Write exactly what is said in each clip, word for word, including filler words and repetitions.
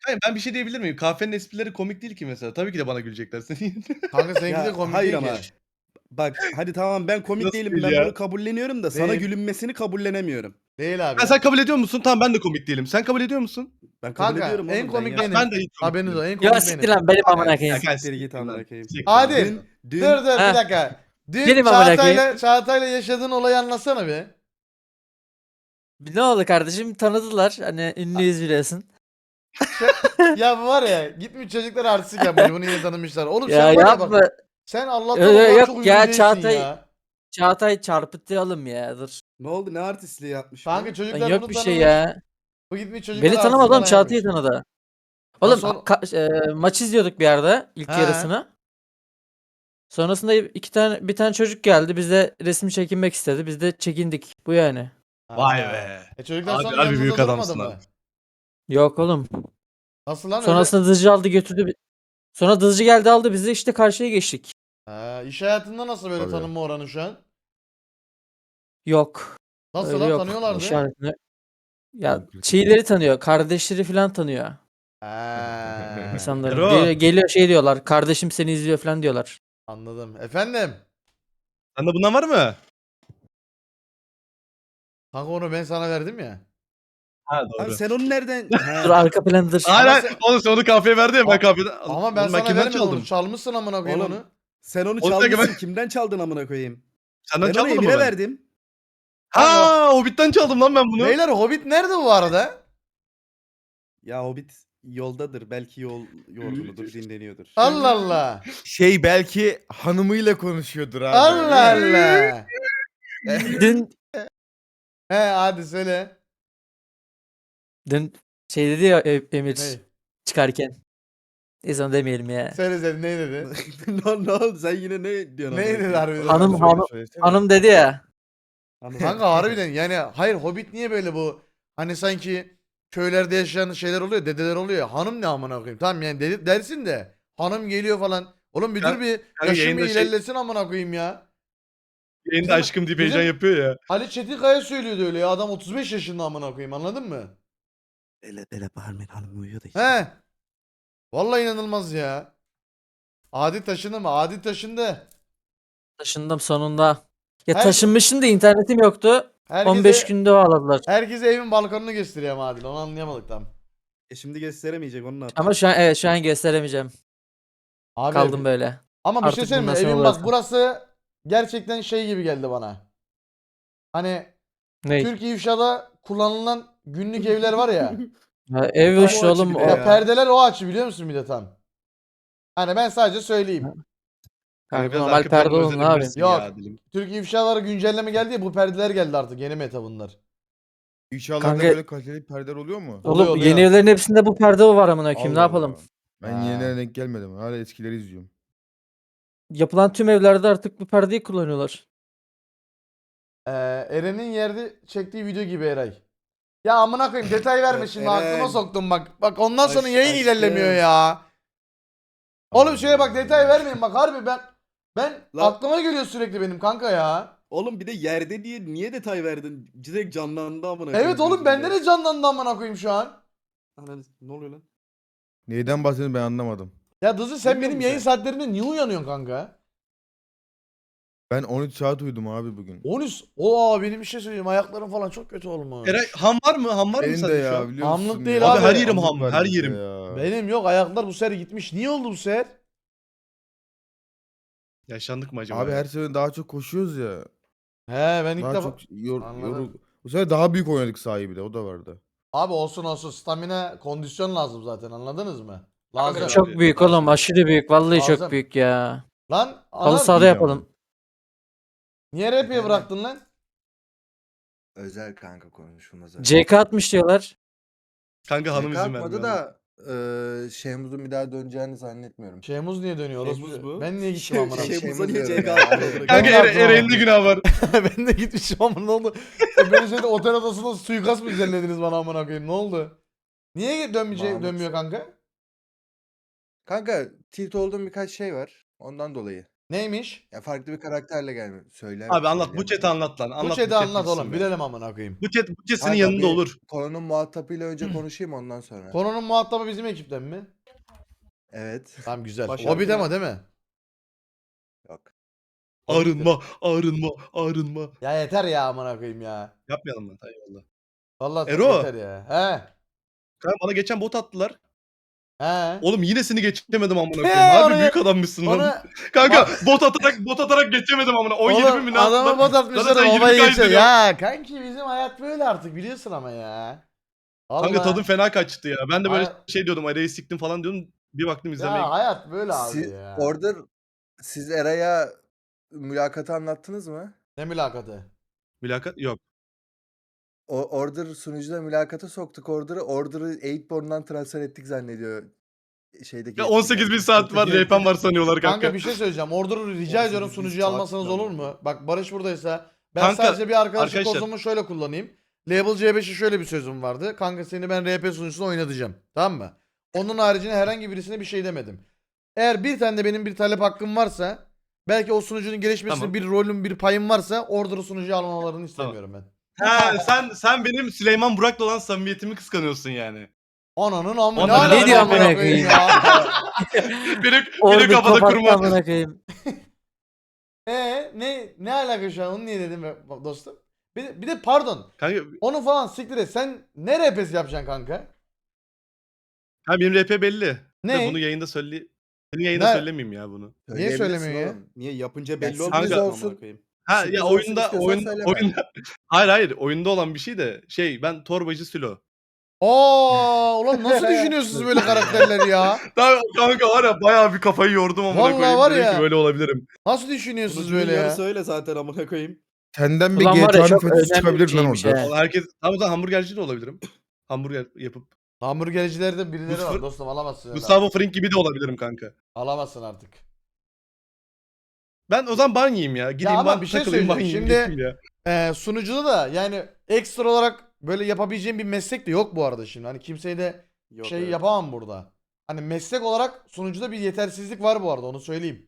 Hayır, ben bir şey diyebilir miyim? Kahvenin esprileri komik değil ki mesela. Tabii ki de bana gülecekler senin yerine. Kanka seninki de Ya komik hayır değil ama ki. bak hadi tamam ben komik Nasıl değilim değil ben ya? bunu kabulleniyorum da sana Değil. gülünmesini kabullenemiyorum. Değil abi. Ha, sen kabul ediyor musun? Tamam, ben de komik değilim. Sen kabul ediyor musun? Ben kabul Kanka ediyorum en oğlum ben komik yaşadım. benim. Ben de hiç komik Haberiniz o değilim. en Ya komik siktir benim. lan benim amına Ya koyayım. Kanka siktir git amına lan. koyayım. Siktir Adil. lan. Dün, dün Dur dur bir Heh. dakika. Dün Benim amına Çağatay'la Çağatay'la yaşadığın olayı anlatsana bir. Ne oldu kardeşim? Tanıdılar. Hani ünlüyüz biliyorsun. Ya bu var ya gitmiş çocuklar artistik yapmış bunu yine tanımışlar. Oğlum Ya sen var ya yapma. bak. Sen Allah'tan Öyle o kadar yok çok ya, ünlü değilsin Çağatay- ya. Çağatay çarpıtıralım ya dur. ne oldu ne artistliği yapmış bu? Kanka Lan çocuklar yok bunu bir tanımış. şey ya. Bu gitmiş çocuklar Beni artistik tanımadı oğlum, falan Çağatay'ı yapmış. tanıdı. Oğlum Nasıl ol- ka- e, maç izliyorduk bir yerde ilk He. yarısını. Sonrasında iki tane bir tane çocuk geldi, bize resim çekinmek istedi. Biz de çekindik. Bu yani. Vay Ha. be. E çocuklar Abi, sonra harbi yanınızda büyük durmadı adamsın mı? abi. Yok oğlum. Nasıl lan öyle? Sonrasında dızcı aldı götürdü. bi- Sonra dızcı geldi aldı bizi, işte karşıya geçtik. Ha, iş hayatında nasıl böyle Tabii. tanınma oranı şu an? Yok. Nasıl Öyle lan yok. tanıyorlardı? İşaretini. Ya Yok, yok. şeyleri tanıyor. Kardeşleri falan tanıyor. Ha. İnsanları. Ero. Geliyor, geliyor şey diyorlar. Kardeşim seni izliyor falan diyorlar. Anladım. Efendim? Sende bundan var mı? Kanka onu ben sana verdim ya. Ha, Abi doğru. sen onu nereden? He. Dur arka plandır. Hayır Ama hayır. sen- Oğlum sen onu kahveye verdin ya, ben Ama- kahveden. Ama ben Oğlum, sana kimden vermedim çaldım? onu. Çalmışsın amına koyayım Oğlum, onu. Sen onu Oğlum, sen- çalmışsın kimden çaldın amına koyayım? Senden Ben onu çalmadım mı Emir'e ben? verdim. Ha, Hobbit'ten çaldım lan ben bunu. Beyler Hobbit nerede bu arada? Ya Hobbit yoldadır belki yol yorgunudur dinleniyordur. Allah Allah. Şey belki hanımıyla konuşuyordur abi. Allah Allah. Dün He hadi söyle. dün şey dedi ya E- Emir Ne? çıkarken. Neyse onu demeyelim ya. Söyle söyle ne dedi? ne, ne oldu sen yine ne diyorsun? Ne amına dedi koyayım? harbiden? Hanım- Söyle, hanım- söylesene. Hanım dedi ya. Hanım- Kanka harbiden yani hayır Hobbit niye böyle bu hani sanki köylerde yaşayan şeyler oluyor dedeler oluyor ya hanım ne amına koyayım tamam yani dedi, dersin de hanım geliyor falan oğlum bir dur Kanka- bir kanka yaşım yayında bir şey- ilerlesin amına koyayım ya. Yayında Bizim- aşkım deyip bizim- heyecan yapıyor ya. Ali Çetinkaya söylüyordu öyle ya adam otuz beş yaşında amına koyayım anladın mı? Öyle öyle bağırmayın hanım uyuyor da işte. He. Vallahi inanılmaz ya. Adi taşındı mı? Adi taşındı. Taşındım sonunda. Ya Her- taşınmışım da internetim yoktu. Herkese, on beş günde bağladılar. herkese evin balkonunu gösteriyor ama Adil onu anlayamadık tam. E şimdi gösteremeyecek onu ne yapacak? Ama şu an evet şu an gösteremeyeceğim. Abi, Kaldım böyle. Ama bir Artık şey söyleyeyim mi? bundan sonra Evin bak burası. burası gerçekten şey gibi geldi bana. Hani Ne? Türk İfşa'da kullanılan günlük evler var ya. Ya, ev Tam hoş o oğlum. açı bir O, de ya ya. perdeler o açı biliyor musun bir de tam. Hani ben sadece söyleyeyim. Kanka Kanka, biraz normal arka planı perde olun abi. özenebilirsin Yok. ya dilim. Türk İfşaları güncelleme geldi ya bu perdeler geldi artık yeni meta bunlar. İnşallah da Kanka- böyle kaliteli perdeler oluyor mu? Oğlum Oluyor, oluyor. yeni evlerin hepsinde bu perde var amına koyayım. Ne Allah yapalım? Allah. Ben Ha. yenilerine denk gelmedim. Hala eskileri izliyorum. Yapılan tüm evlerde artık bu perdeyi kullanıyorlar. Ee, Eren'in yerde çektiği video gibi Eray. Ya amına koyayım detay verme şimdi Eren. aklıma soktum bak. Bak ondan sonra Aşk- yayın aşkım. ilerlemiyor ya. Oğlum şöyle bak detay vermeyin bak harbi ben ben Lan- aklıma geliyor sürekli benim kanka ya. Oğlum bir de yerde diye niye detay verdin? Direkt canlandı amına Evet oğlum bende gözümde. de canlandı amına koyayım şu an. Ananı- Ne oluyor lan? Neyden bahsediyorsun ben anlamadım. Ya Dızı sen Bilmiyor benim musun yayın sen? saatlerinde niye uyanıyorsun kanka? Ben on üç saat uyudum abi bugün. on üç. Oo benim bir şey söyleyeyim ayaklarım falan çok kötü olmuş. Eray, ham var mı? Ham var mı Benim de sende şu ya an? biliyor Hamlık musun değil ya? abi. Abi her yerim Hamlık ham, var her bizde yerim. ya. Benim yok ayaklar bu sefer gitmiş. Niye oldu bu sefer? Yaşandık mı acaba? Abi ya? her sene daha çok koşuyoruz ya. He ben ilk Daha defa... çok yor, Anladım. yoru- Bu sefer daha büyük oynadık sahibi de o da vardı. Abi olsun olsun stamina kondisyon lazım zaten anladınız mı? Lazım. Kanka, Çok abi, büyük lazım. oğlum, aşırı büyük. Vallahi Lazım. çok büyük ya. Lan Halı anam sahada iyi yapalım. niye rap'e bıraktın lan? Özel kanka konuşulmaz öyle. C K atmış diyorlar. Kanka hanım izin Kalkmadı vermiyor. da eee Şehmuz'un bir daha döneceğini zannetmiyorum. Şeymuz niye dönüyor? orospu? Şeymuz bu. Ben niye gittim Şey- amına? şey- Şeymuz Şeymuz'a niye diyorum C K ya. attı? Hani- Kanka Ben de Eren, aklıma Eren'in de günah var. ben de gitmişim ama ne oldu? E, Beni şeyde otel odasında suikast mı düzenlediniz bana amına koyayım? Ne oldu? Niye dönmeyecek Mahmut. dönmüyor kanka? Kanka tilt olduğum birkaç şey var. Ondan dolayı. Neymiş? Ya farklı bir karakterle gelmiyor. Söyle. Abi anlat. Bu söyleyemem. chat'i anlat lan. Bu Anlat chat'i chat anlat bilsin oğlum. be. Bilelim amına koyayım. Bu chat, bu chat senin Kanka, yanında bir olur. Konunun muhatabıyla önce konuşayım ondan sonra. Konunun muhatabı bizim ekipten mi? Evet. Tamam güzel. Baş Hobbit harfi ama ne? değil mi? Yok. Arınma, arınma, arınma. Ya yeter ya amına koyayım ya. Yapmayalım lan. Eyvallah. Vallahi Ero. yeter ya. He. Kanka bana geçen bot attılar. He. Oğlum yine seni geçemedim amına koyayım. He, Harbi onu- büyük adammışsın lan. Onu Kanka bot atarak bot atarak geçemedim amına. on yedi bin oğlum mi ne adama attılar? bot atmışlar Zaten da yirmi babaya kay geçiyor. izleniyor. Ya kanki bizim hayat böyle artık biliyorsun ama ya. Kanka Vallahi- tadım fena kaçtı ya. Ben de böyle Hayat- şey diyordum. Arayı siktim falan diyordum. Bir baktım izlemeye. Ya hayat böyle abi Siz, ya. Order siz Eray'a mülakatı anlattınız mı? Ne mülakatı? Mülakat yok. O Order sunucuda mülakata soktuk Order'ı. Order'ı Eightborn'dan transfer ettik zannediyor. Şeydeki Ya on sekiz bin saat var. R P'm var sanıyorlar kanka. Kanka bir şey söyleyeceğim. Order'ı rica ediyorum on sekiz bin sunucuya saat almasanız falan. olur mu? Bak Barış buradaysa. Ben Kanka, sadece bir arkadaşlık arkadaşlar. kozumu şöyle kullanayım. Label C beşe şöyle bir sözüm vardı. Kanka seni ben R P sunucusunda oynatacağım. Tamam mı? Onun haricinde herhangi birisine bir şey demedim. Eğer bir tane de benim bir talep hakkım varsa, belki o sunucunun gelişmesinde Tamam. bir rolüm, bir payım varsa Order'ı sunucuya almalarını istemiyorum ben. Ha, sen sen benim Süleyman Burak'la olan samimiyetimi kıskanıyorsun yani. Ananın amı Ondan alaka ne diyor amına amına koyayım? ya? Benim benim Orada kafada kapattı kurma. amına koyayım. Ee ne ne alaka şu an onu niye dedim be- dostum? Bir de, bir de pardon. Kanka Onu falan siktir et. Sen ne R P'si yapacaksın kanka? ha, benim R P belli. Ne? De bunu yayında söyle. Senin yayında Ne? söylemeyeyim ya bunu. Niye Söyleyebilirsin söylemiyor ya? oğlum. Niye yapınca Ya belli sürpriz olmuyor mu olsun. amına koyayım? Ha Sürpriz ya olsun oyunda istiyorsan oyun söyleme. oyunda hayır hayır oyunda olan bir şey de şey ben torbacı Sülo. Aa, ulan nasıl düşünüyorsunuz böyle karakterleri ya? Daha kanka var ya bayağı bir kafayı yordum amına Vallahi koyayım. var Dedim ya. ki böyle olabilirim. Nasıl düşünüyorsunuz Sunucunun böyle ya? yarısı öyle zaten amına koyayım. Senden bir Ulan var ya, G T A'nın çok fetişi önemli çıkabilir bir lan şeymiş orada. he. Vallahi herkes tamam o zaman hamburgerci de olabilirim. Hamburger yapıp. Hamburgercilerde birileri var Mustafa- dostum alamazsın. öyle. Gustavo Fring gibi de olabilirim kanka. Alamazsın artık. Ben o zaman ban yiyeyim ya. Gideyim ama ban bir şey takılayım ban söyleyeceğim. yiyeyim Şimdi- geçeyim ya. Ee, sunucuda da yani ekstra olarak böyle yapabileceğim bir meslek de yok bu arada şimdi. Hani kimseyi de Yok, şey evet. yapamam burada. Hani meslek olarak sunucuda bir yetersizlik var bu arada onu söyleyeyim.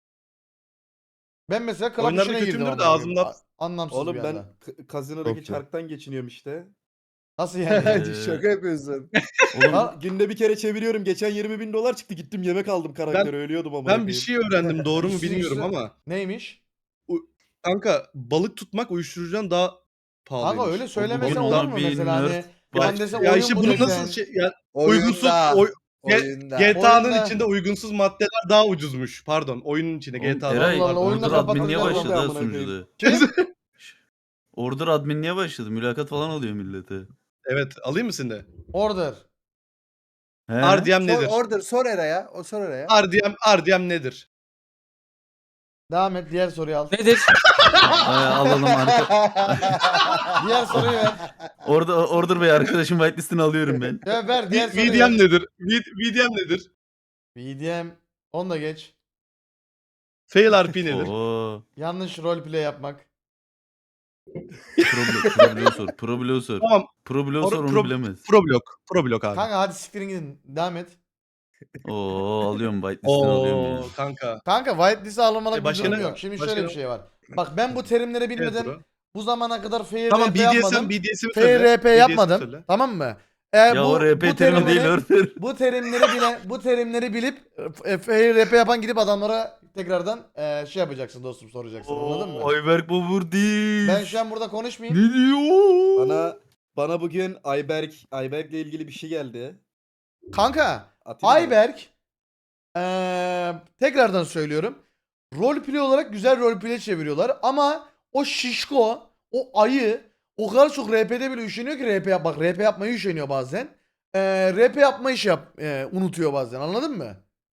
Ben mesela club Oyunlarda işine girdim. kötümdür de amına koyayım. ağzımda- A- Anlamsız Oğlum bir ben anda. k- kazinodaki Çok iyi. çarktan geçiniyorum işte. Nasıl yani? Şaka yapıyorsun. Oğlum Ha? günde bir kere çeviriyorum. Geçen yirmi bin dolar çıktı. Gittim yemek aldım karaktere. Ölüyordum amına Ben bir koyayım. şey öğrendim doğru mu Üstüne bilmiyorum üstüne- ama. Neymiş? Kanka balık tutmak uyuşturucudan daha pahalıymış. Kanka öyle söylemesen bunda olur mu bir mesela hani nerd ben desem Ya oyun işte bu bunu desen. nasıl şey ya uygunsuz Oyunda. oy, Oyunda. G T A'nın Oyunda- içinde uygunsuz maddeler daha ucuzmuş. Pardon, oyunun içinde Oğlum, G T A'da. Eray, Allah Allah, oyunu da Order admin niye kapatacağız başladı ha amına koyayım. sunucuda? Kim? Order admin niye başladı? Mülakat falan alıyor millete. Evet, alayım mı seni de? Order. He? R D M Sor, nedir? order sor Eray'a. O sor Eray'a. R D M R D M nedir? Devam et diğer soruyu al. Nedir? Ay, alalım arka. Diğer soruyu ver. Orada Order Bey arkadaşım whitelist'ini alıyorum ben. Ya ver diğer V- soruyu VDM ver. nedir? V- VDM nedir? B D M. Onu da geç. Fail R P nedir? Oo. Yanlış roleplay yapmak. Problem, problem sor. Problem sor. Tamam. Problem Pro- sor onu pro- bilemez. Problok. Problok abi. Kanka hadi siktirin gidin. Devam et. Oo alıyorum whitelist'ini alıyorum ya. Oo kanka. Kanka whitelist'e alınmalık E, bir başka durum ne- yok. Şimdi başka şöyle bir ne- şey var. Bak ben bu terimleri Evet, bilmeden bro. bu zamana kadar fair Tamam R P B D S M yapmadım. B D S'imi Fair söyle. R P B D S'imi yapmadım. söyle. Tamam mı? Eğer Ya bu, o R P bu terimi değil terimleri- Order. Bu terimleri bilen, bu terimleri bilip e, fair R P yapan gidip adamlara tekrardan e, şey yapacaksın dostum soracaksın anladın mı? Oo, Ayberk Babur değil. Ben şu an burada konuşmayayım. Ne diyor? Bana bana bugün Ayberk Ayberk'le ilgili bir şey geldi. Kanka Atayım mı? Ayberk eee, tekrardan söylüyorum. Roleplay olarak güzel roleplay çeviriyorlar ama o şişko, o ayı o kadar çok R P'de bile üşeniyor ki R P yap bak R P yapmayı üşeniyor bazen. Eee R P yapmayı iş yap eee, unutuyor bazen anladın mı?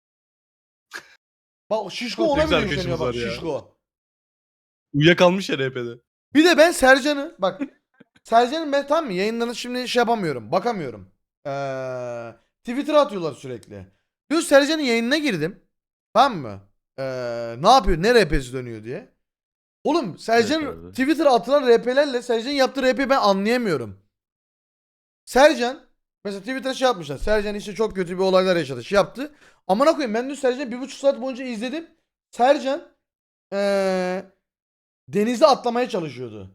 Bak o şişko Çok ona güzel bile üşeniyor bak arkadaşımız var ya. şişko. Uyuyakalmış ya R P'de. Bir de ben Sercan'ı bak Sercan'ın ben tam mı yayınlarını şimdi şey yapamıyorum bakamıyorum. Ee, Twitter'a atıyorlar sürekli. Diyor Sercan'ın yayınına girdim. Tamam mı? Ee, ne yapıyor ne R P'si dönüyor diye. Oğlum Sercan Evet abi. Twitter'a atılan R P'lerle Sercan'ın yaptığı R P'yi ben anlayamıyorum. Sercan mesela Twitter'a şey yapmışlar. Sercan işte çok kötü bir olaylar yaşadı. Şey yaptı. Amına koyayım ben dün Sercan'ı bir buçuk saat boyunca izledim. Sercan eee denize atlamaya çalışıyordu.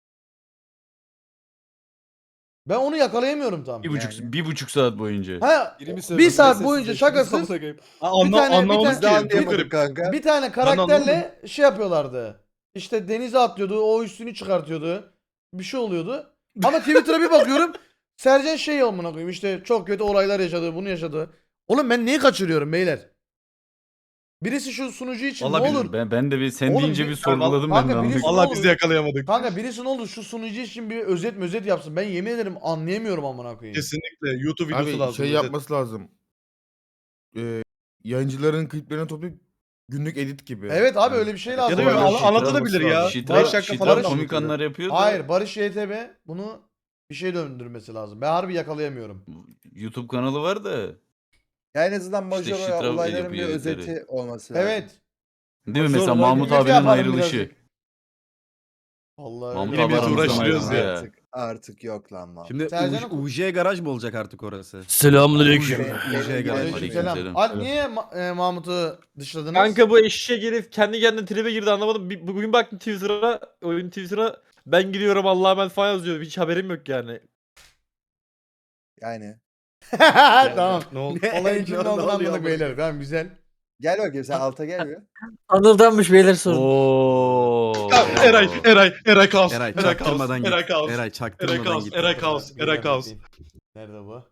Ben onu yakalayamıyorum tam. Bir buçuk, Yani. bir buçuk saat boyunca. Ha, Biri mi bir söyledi, saat sessiz boyunca sessiz şakasız amına koyayım. Ha, bir anla, tane- bir anlamadım tane- Biz de ki. Çok anlayamadık garip. kanka. bir tane anlamadım. karakterle şey yapıyorlardı. İşte denize atlıyordu, o üstünü çıkartıyordu. Bir şey oluyordu. Ama Twitter'a bir bakıyorum. Sercan şey amına koyayım işte çok kötü olaylar yaşadı, bunu yaşadı. Oğlum ben neyi kaçırıyorum beyler? Birisi şu sunucu için Vallahi ne bilmiyorum. olur? Ben, ben de bir sen Oğlum deyince bir- bir sorguladım Kanka ben de. birisi- anladım. Vallahi olur? biz de yakalayamadık. Kanka birisi ne olur şu sunucu için bir özet mözet yapsın. Ben yemin ederim anlayamıyorum amına koyayım. Kesinlikle YouTube videosu Abi lazım. şey özet. yapması lazım. Ee, yayıncıların kliplerini toplayıp günlük edit gibi. Evet abi Yani- öyle bir şey lazım. Ya da Böyle böyle bir an- şey anlatabilir ya. olması Şitra, beş dakika Şitra falan komik anlatıyor. anlar yapıyor da. Hayır Barış Y T B bunu bir şey döndürmesi lazım. Ben harbi yakalayamıyorum. YouTube kanalı var da. Ya en azından İşte Majora Şitra olayların yapıyor bir editleri. özeti olması lazım. Evet. Değil mi? Zor Mesela olay Mahmut Milleti abinin yapalım ayrılışı. birazcık. Vallahi Mahmut öyle. abi Milleti aramızdan uğraştırıyoruz ayrıldı ya. Artık, artık yok lan lan. Şimdi Sercan U- oku. UJ garaj mı olacak artık orası? Selamünaleyküm. Benim- benim Aleyküm garajım Aleykümselam. Aleykümselam. Alp niye Ma- e, Mahmut'u dışladınız? Kanka bu eşek herif kendi kendine tribe girdi anlamadım. Bir- Bugün baktım Twitter'a, oyun Twitter'a ben gidiyorum Allah'a emanet falan yazıyor. Hiç haberim yok yani. Yani. Tamam. Ne oldu? Olayın Ne- kimde ne olduğunu oluyor anladık amına beyler. Tamam güzel. Gel bakayım sen alta gel bir. Anıldanmış beyler sorun. Oo. Ya, Eray, Eray, Eray Kaos. Eray Eray Kaos. çaktırmadan git. Eray Kaos. Eray Eray çaktırmadan Kaos. git. Eray Kaos. Eray Kaos. Nerede bu?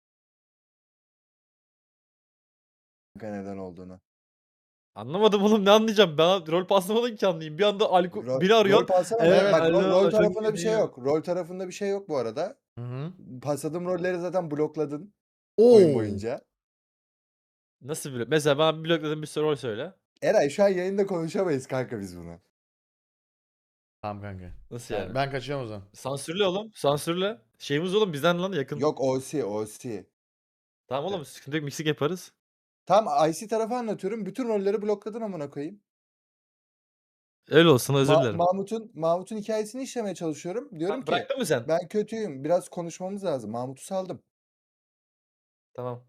Kanka neden olduğunu. Anlamadım oğlum ne anlayacağım. Ben rol paslamadım ki anlayayım. Bir anda alko Rol- biri arıyor. Rol pasama. Evet, Bak rol, alo, rol çok tarafında bir şey iyi. yok. Rol tarafında bir şey yok bu arada. Hı hı. Pasladığım rolleri zaten blokladın Oo. oyun boyunca. Nasıl bile? Mesela ben blokladım bir sürü rol söyle. Eray şu an yayında konuşamayız kanka biz bunu. Tamam kanka. Nasıl Yani yani? ben kaçıyorum o zaman. Sansürle oğlum. Sansürle. Şeyimiz oğlum bizden lan yakın. Yok O C, O C. Tamam oğlum sıkıntı yok mixing yaparız. Tam I C tarafı anlatıyorum. Bütün rolleri blokladın amına koyayım. Öyle olsun özür Ma- dilerim. Mahmut'un Mahmut'un hikayesini işlemeye çalışıyorum. Diyorum Tamam, ki bıraktın mı sen? ben kötüyüm. Biraz konuşmamız lazım. Mahmut'u saldım. Tamam.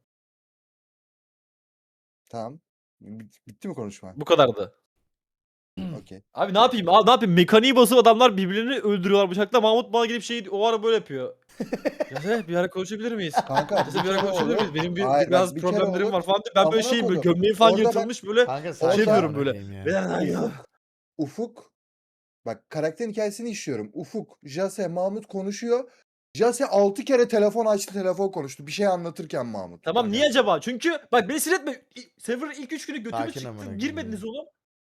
Tamam. Bit- Bitti mi konuşma? Bu kadardı. Okey. Abi ne yapayım? Abi ne yapayım? Mekaniği basıp adamlar birbirlerini öldürüyorlar bıçakla. Mahmut bana gelip şey o ara böyle yapıyor. Ya sen bir ara konuşabilir miyiz? Kanka Ya sen bir ara kere konuşabilir olur. miyiz? Benim bir, Hayır, bak, biraz bir kere problemlerim olur. var falan. diye. Ben böyle Amına şeyim böyle koydum. gömleğim falan Orada bak- yırtılmış böyle. Kanka Şey sakin yapıyorum amına böyle. koyayım ya. Ben- ya. Ufuk. Bak karakterin hikayesini işliyorum. Ufuk, Jase, Mahmut konuşuyor. Jase altı kere telefon açtı, telefon konuştu. Bir şey anlatırken Mahmut. Tamam niye acaba? Çünkü bak beni sinir etme. İ- Server'ın ilk üç günü götümü Sakin amına çıktı. koyayım Girmediniz ya. oğlum.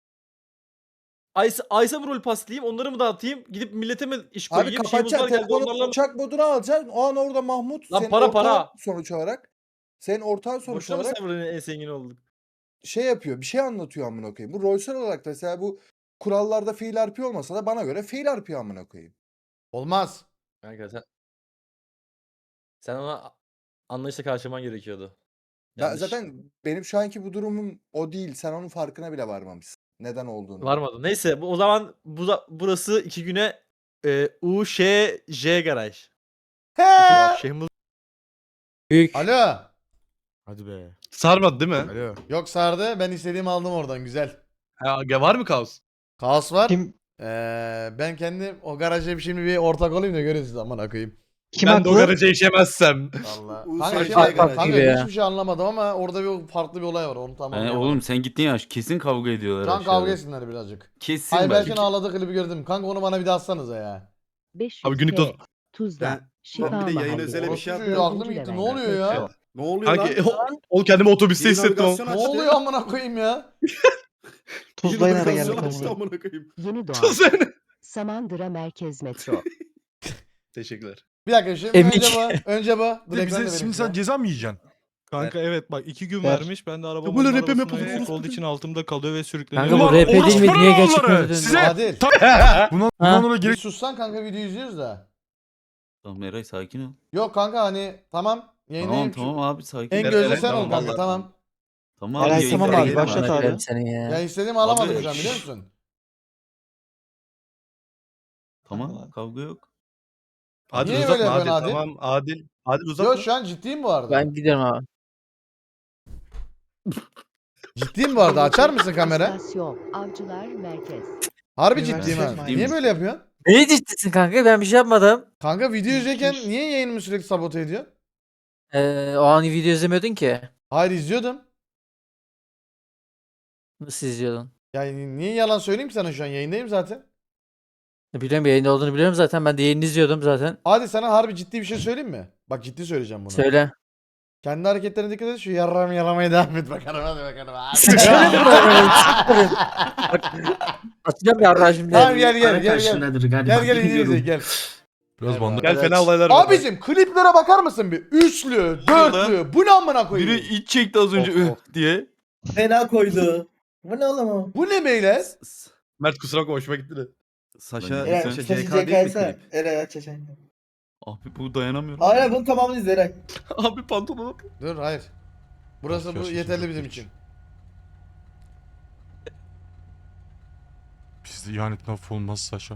Aysa, Aysa mı rol paslayayım? Onları mı dağıtayım? Gidip millete mi iş Abi koyayım? Şeyimiz var kapatacaksın geldi telefonu, onlarla mı? uçak moduna alacaksın. O an orada Mahmut Lan senin para, ortağın para. sonuç olarak. Senin ortağın sonuç Boşuna mı olarak server'ın en zengin olduk? şey yapıyor. Bir şey anlatıyor amına koyayım. Bu rolsel olarak da mesela bu kurallarda fail R P olmasa da bana göre fail R P amına koyayım. Olmaz. Kanka sen... Sen ona anlayışla karşılaman gerekiyordu. Ben Yanlış. zaten benim şu anki bu durumum o değil. Sen onun farkına bile varmamışsın. Neden olduğunu. Varmadı. Neyse bu, o zaman bu, da- burası iki güne e, U Ş J garaj. He. Şeyimiz Büyük. Alo. Hadi be. Sarmadı değil mi? Alo. Yok sardı. Ben istediğimi aldım oradan. Güzel. Ha, ya var mı kaos? Kaos var. Kim Ee, ben kendim o garaja bir şimdi bir ortak olayım da görün siz amına koyayım. kim ben de o haklı? garaja işemezsem. Valla. U Kanka, S şey, J kanka, garaj. kanka gibi ya. hiçbir şey anlamadım ama orada bir farklı bir olay var. Onu tamam. Yani oğlum sen gittin ya kesin kavga ediyorlar Şu an aşağıda. kavga etsinler birazcık. Kesin Ayberk'in bak. ağladığı klibi gördüm. Kanka onu bana bir daha atsanıza ya. Abi günlük dost. Ben, ben bir de yayın özele bir şey Orospu çocuğu yapıyorum. aklım gitti. Ne oluyor ya? Ne oluyor Kanki lan? o, o kendimi otobüste Yeni hissettim. o. navigasyon Ne açtı. oluyor amına koyayım ya? Tuzlayın ara navigasyon geldik açtı amına. amına koyayım. Yeni doğan Sen- Samandıra Merkez Metro. Teşekkürler. Bir dakika şimdi Emik. önce bu. Önce bu. Dur Bir de ekran da bize vereyim şimdi size. sen ceza mı yiyeceksin? Kanka evet bak iki gün Ver. vermiş. Ben de arabamın böyle arabasına rap'e yapalım, eksik orospu olduğu için altımda kalıyor ve sürükleniyor. Kanka bu Ulan R P değil mi? orospu Niye oğulları! gerçekten Size Adil. Buna, Ha? buna Bir gerek sussan kanka videoyu izliyoruz da. Tamam Eray sakin ol. Yok kanka hani tamam. Yayınlayayım. Tamam tamam abi sakin En ol. gözde Eray, sen ol tamam, kanka vallahi. tamam. Tamam Eray, abi, tamam yayına abi, girme başlat abi. abi. Koyarım seni ya. Ya istediğimi alamadım Abi, şu an biliyor şşş. musun? Tamam kavga yok. Adil Niye uzatma böyle Adil. yapıyorsun Adil? Tamam Adil. Adil uzatma. Yok şu an ciddiyim bu arada. Ben gidiyorum abi. Ciddiyim bu arada. Açar mısın kamera? İstasyon, Avcılar Merkez. Harbi Üniversite ciddiyim ha. Mahallesi. Niye böyle yapıyorsun? Neyi ciddisin kanka? Ben bir şey yapmadım. Kanka video izlerken niye yayınımı sürekli sabote ediyorsun? Ee, o an video izlemiyordun ki. Hayır izliyordum. Nasıl izliyordun? Yani niye yalan söyleyeyim ki sana şu an yayındayım zaten. Biliyorum yayında olduğunu biliyorum zaten. Ben de yayını izliyordum zaten. Hadi sana harbi ciddi bir şey söyleyeyim mi? Bak ciddi söyleyeceğim bunu. Söyle. Kendi hareketlerine dikkat et, şu yarram yalamaya devam et bakalım hadi bakalım. Hadi. Sıçrayım Atacağım ya şimdi. Tamam gel gel gel gel. Gel gel izle gel. Biraz bandı. Gel fena olaylar var. Abicim kliplere bakar mısın bir? Üçlü, dörtlü. Bu ne amına koyayım? Biri iç çekti az önce Of, "Üh" of. diye. Fena koydu. Bu ne oğlum o? Bu ne beyler? Mert kusura bakma hoşuma gitti de. Saşa, Eray, Saşa Saşa C K değil mi C K'ysa. klip? Eray aç aç aç. Abi bu dayanamıyorum. Hayır bunun tamamını izle Eray. Abi pantolonu. Dur hayır. Burası bu Yaşasın yeterli çok bizim geç. için. Bizde ihanet laf olmaz Saşa.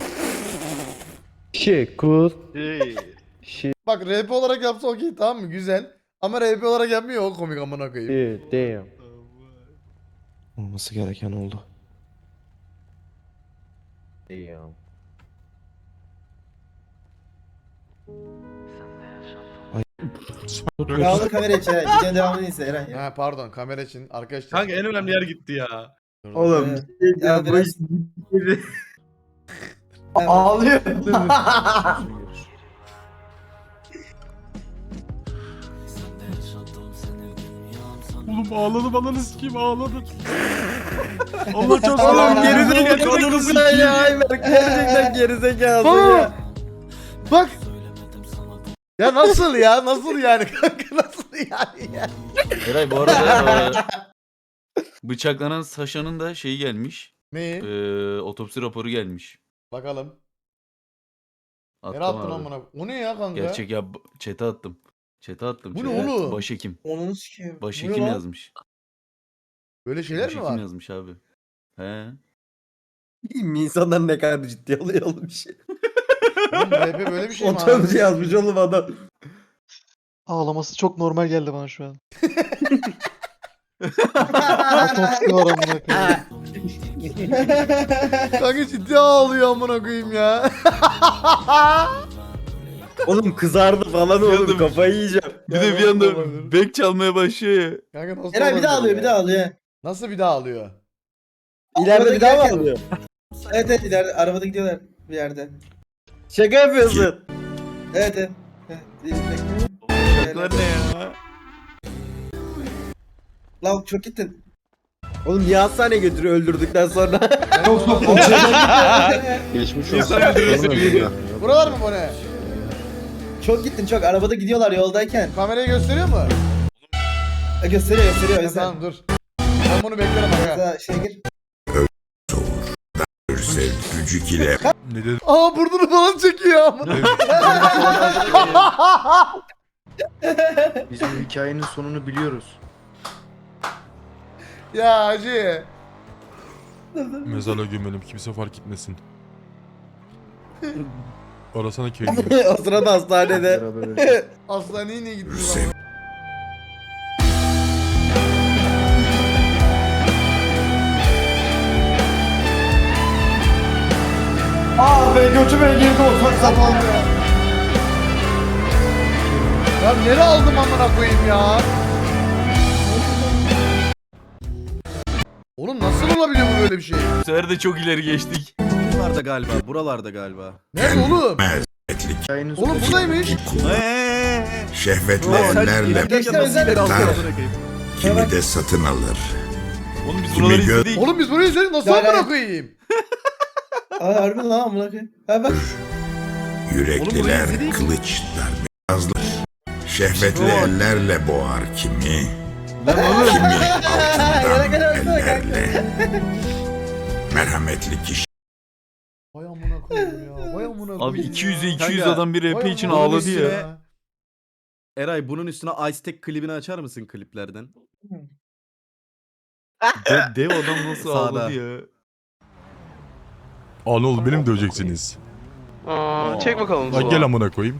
Bak R P olarak yapsa okey tamam mı? Güzel. Ama R P olarak yapmıyor o komik amına koyayım. Olması gereken oldu. Kaldır kamerayı aç Eray. Videonun devamını izle Eray. Ha pardon kamera için arkadaşlar. Kanka en önemli yer gitti ya. Oğlum. Ya biraz... Ağlıyor. Oğlum ağladım ananı sikeyim ağladım. Allah çok Oğlum gerizekalı. gerizekalı sen ya Ayber. Gerçekten gerizekalı Baba! ya. Bak. Ya nasıl ya? Nasıl yani kanka nasıl yani ya? Eray bu arada e, bıçaklanan Saşa'nın da şeyi gelmiş. Neyi? E, otopsi raporu gelmiş. Bakalım. Attım Nereye attın abi. amına? O ne ya kanka? Gerçek ya b- chat'e attım. Chat'e attım. Bu ne chat'e. oğlum? Başhekim. Onu sikeyim. Bu ne Başhekim lan? yazmış. Böyle şeyler mi Başhekim var? yazmış abi. He. İnsanlar ne kadar ciddi alıyor oğlum bir şey. Oğlum R P böyle bir şey mi abi? Otobüsü yazmış oğlum adam. Ağlaması çok normal geldi bana şu an. Otopsi var amına koyayım. Kanka ciddi ağlıyor amına koyayım ya. Oğlum kızardı falan oğlum kafayı yiyeceğim. Bir de bir anda bek çalmaya başlıyor ya. Kanka nasıl Eray bir daha olabilir alıyor ya? bir daha alıyor. Nasıl bir daha ağlıyor? İleride bir daha mı alıyor? Evet evet ileride arabada gidiyorlar bir yerde. Şaka yapıyorsun. Evet evet. Evet, izle. Bunlar ne ya? Lan çok gittin. Oğlum niye hastaneye götürüyor öldürdükten sonra? Çok çok Geçmiş İnsan olsun. öldürmesi biliyor. Buralar mı bu ne? Çok gittin çok arabada gidiyorlar yoldayken. Kamerayı gösteriyor mu? E, gösteriyor gösteriyor. Ha, izle. tamam dur. Ben bunu beklerim aga. Mesela şey gir. Gücük ile Ne dedi? Aa burnunu falan çekiyor amına. Biz bu hikayenin sonunu biliyoruz. Ya hacı. Mezarlığa gömelim kimse fark etmesin. Arasana köyünü. O sırada hastanede. Beraber öyle. Hastaneye niye gittiniz ama? Aa be götüme girdi o çok sapan ya. Ya nereye aldım amına koyayım ya? Oğlum nasıl olabiliyor bu böyle bir şey? Bu sefer de çok ileri geçtik. Buralarda galiba buralarda galiba. Nerede oğlum? Hikayenin Oğlum sonu- buradaymış. şehvetli Sen ellerle Gençler özel kimi de satın alır. Oğlum biz Kimi buraları gö- izledik. Oğlum biz burayı izledik nasıl Ya, amına ya. koyayım? Aa harbi lan amına koyayım. Ha bak. Yürekliler kılıç darbe şehvetli ellerle boğar kimi. Kimi altından ellerle. Merhametli kişi Vay amına koyayım ya. Vay amına koyayım. Abi iki yüze ya. iki yüz Kanka, adam bir R P Vay için amına ağladı koyayım ya. Eray bunun üstüne Ice Tech klibini açar mısın kliplerden? De, dev adam nasıl Sağda. ağladı ya. Aa ne oldu beni mi döveceksiniz? Aa, çek bakalım. Lan gel amına koyayım.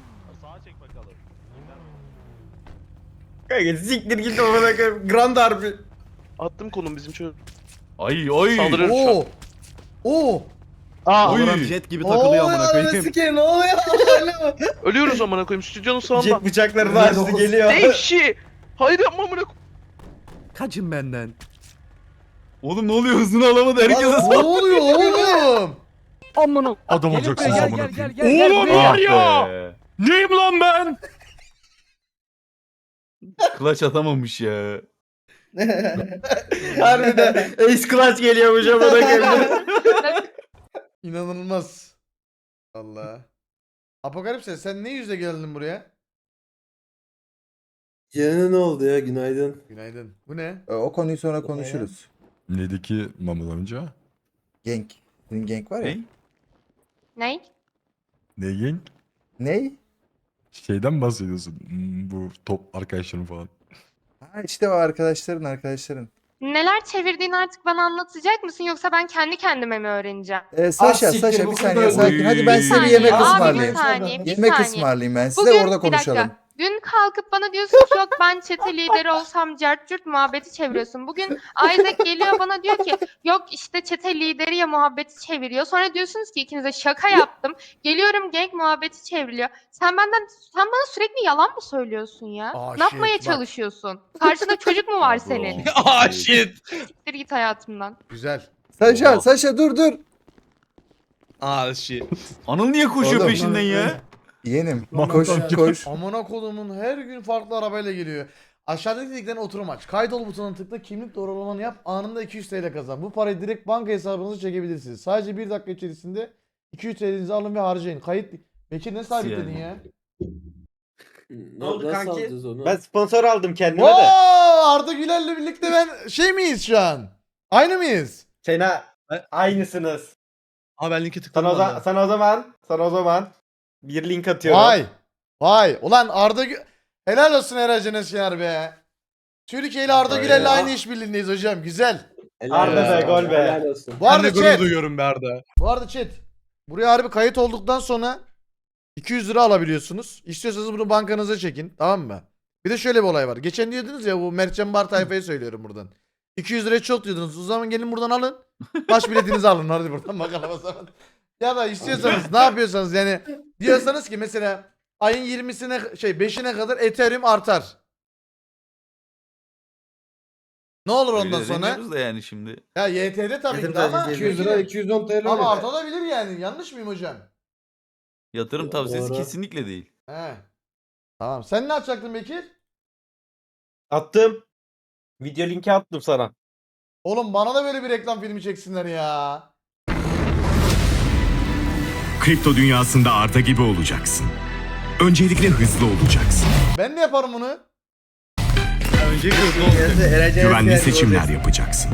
Kanka siktir git amına koyayım. Grand harbi. Attım konum bizim çocuk. Ay ay. Saldırıyorum şu an. Oo. Oo. Aa, Oy. jet gibi Ne oluyor ananı sikeyim ne oluyor? Alo. ölüyoruz amına koyayım stüdyonun sağında. Jet bıçaklarını açtı geliyor. Devşi. Hayır yapma amına koyayım. Kaçın benden. Oğlum ne oluyor hızını alamadı herkese Ne sal. oluyor oğlum? Amına. Adam olacaksınız amına koyayım. Oğlum var ya. Neyim lan ben? Clutch atamamış ya. Harbiden Ace Clutch geliyormuş amına koyayım. İnanılmaz. Allah. Apokalipse sen ne yüzle geldin buraya? Yine ne oldu ya günaydın. Günaydın. Bu ne? E, O konuyu sonra konuşuruz. Neydi ki Mahmut amca? Genk. Senin Genk var ya. Ne? Ne? Ne genk? Ney? Şeyden bahsediyorsun. Hmm, bu top arkadaşların falan. Ha işte o arkadaşların arkadaşların. Neler çevirdiğini artık bana anlatacak mısın yoksa ben kendi kendime mi öğreneceğim? Ee, Saşa, siktir, Saşa bu bir kız saniye da- sakin. Hadi ben size bir Oy. yemek Abi, bir ısmarlayayım. saniye, bir Yemek saniye. ısmarlayayım ben size Bugün orada bir dakika. konuşalım. Dün kalkıp bana diyorsun ki yok ben çete lideri olsam cart curt muhabbeti çeviriyorsun. Bugün Isaac geliyor bana diyor ki yok işte çete lideri ya muhabbeti çeviriyor. Sonra diyorsunuz ki ikinize şaka yaptım. Geliyorum gang muhabbeti çevriliyor. Sen benden sen bana sürekli yalan mı söylüyorsun ya? Aa, ne yapmaya shit, bak. çalışıyorsun? Karşında çocuk mu var senin? Ah shit. Siktir git hayatımdan. Güzel. Saşa, Oha. Saşa dur dur. Ah shit. Anıl niye koşuyor Oğlum. peşinden ya? Yeğenim koş koş. Amına kodumun her gün farklı arabayla geliyor. Aşağıdaki linkten oturum aç. Kaydol butonuna tıkla, kimlik doğrulamanı yap. Anında iki yüz T L kazan. Bu parayı direkt banka hesabınıza çekebilirsiniz. Sadece bir dakika içerisinde iki yüz T L'nizi alın ve harcayın. Kayıt... Bekir ne sabitledin yani? ya? Ne oldu kanki? Ben sponsor aldım kendime Oo, de. Arda Güler'le birlikte ben şey miyiz şu an? Aynı mıyız? Sena aynısınız. Aa ben linki tıkladım. Sana o, valla. za- sana o zaman sana o zaman bir link atıyorum. Vay. Vay. Ulan Arda Gü... Helal olsun Eracan Eşyanar be. Türkiye ile Arda Öyle Güler'le ya. aynı işbirliğindeyiz hocam. Güzel. Arda be gol be. Bu Ben arada de gurur chat. duyuyorum be Arda. Bu arada chat. Buraya harbi kayıt olduktan sonra iki yüz lira alabiliyorsunuz. İstiyorsanız bunu bankanıza çekin. Tamam mı? Bir de şöyle bir olay var. Geçen diyordunuz ya bu Mertcan Bar tayfayı söylüyorum buradan. iki yüz liraya çok diyordunuz. O zaman gelin buradan alın. Baş biletinizi alın. Hadi buradan bakalım o zaman. Ya da istiyorsanız ne yapıyorsanız yani diyorsanız ki mesela ayın yirmisine şey beşine kadar Ethereum artar. Ne olur ondan Öyle sonra? demiyoruz da yani şimdi. Ya Y T'de tabii ki de ama iki yüz lira iki yüz on T L ama oluyor. artabilir yani. Yanlış mıyım hocam? Yatırım tavsiyesi Doğru. kesinlikle değil. He. Tamam. Sen ne yapacaktın Bekir? Attım. Video linki attım sana. Oğlum bana da böyle bir reklam filmi çeksinler ya. Kripto dünyasında Arda gibi olacaksın. Öncelikle hızlı olacaksın. Ben de yaparım bunu. Önce hızlı olacak. Güvenli seçimler yapacaksın.